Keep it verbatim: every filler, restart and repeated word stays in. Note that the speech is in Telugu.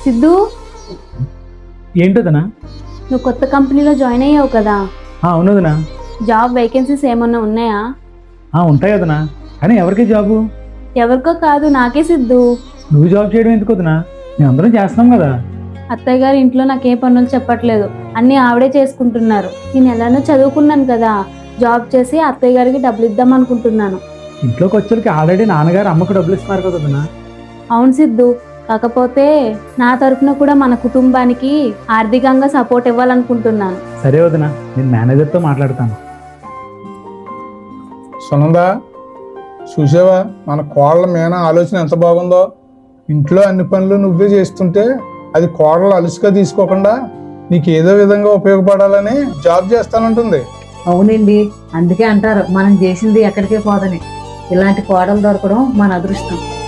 సిద్ధు, ఏంటోదనా? నువ్వు కొత్త కంపెనీలో జాయిన్ అయ్యావు కదా, అవునదనా. జాబ్ వేకెన్సీస్ ఏమన్నా ఉన్నాయా? ఉంటాయి కదనా, కానీ ఎవరికి జాబు? ఎవరికో కాదు, నాకే సిద్ధు. నువ్వు జాబ్ చేయడం ఎందుకు వదనా? మేము అందరం చేస్తున్నాం కదా. అత్తయ్య గారి ఇంట్లో నాకే పనులు చెప్పట్లేదు, అన్నీ ఆవిడే చేసుకుంటున్నారు. నేను ఎలానో చదువుకున్నాను కదా, జాబ్ చేసి అత్తయ్య గారికి డబ్బులు ఇద్దాం అనుకుంటున్నాను. ఇంట్లోకి వచ్చేకి ఆల్రెడీ నాన్నగారు అమ్మకు డబ్బులు ఇస్తున్నారు కదనా. అవును సిద్ధు, కాకపోతే నా తరఫున కూడా మన కుటుంబానికి ఆర్థికంగా సపోర్ట్ ఇవ్వాలనుకుంటున్నాను. సరే వదనా, నేను మేనేజర్తో మాట్లాడతాను. సునందా, చూసావా మన కోడల మీన ఆలోచన ఎంత బాగుందో. ఇంట్లో అన్ని పనులు నువ్వే చేస్తుంటే అది కోడలు అలుసుగా తీసుకోకుండా నీకు ఏదో విధంగా ఉపయోగపడాలని జాబ్ చేస్తానంటుంది. అవునండి, అందుకే అంటారు మనం చేసింది ఎక్కడికే పోదని. ఇలాంటి కోడలు దొరకడం మన అదృష్టం.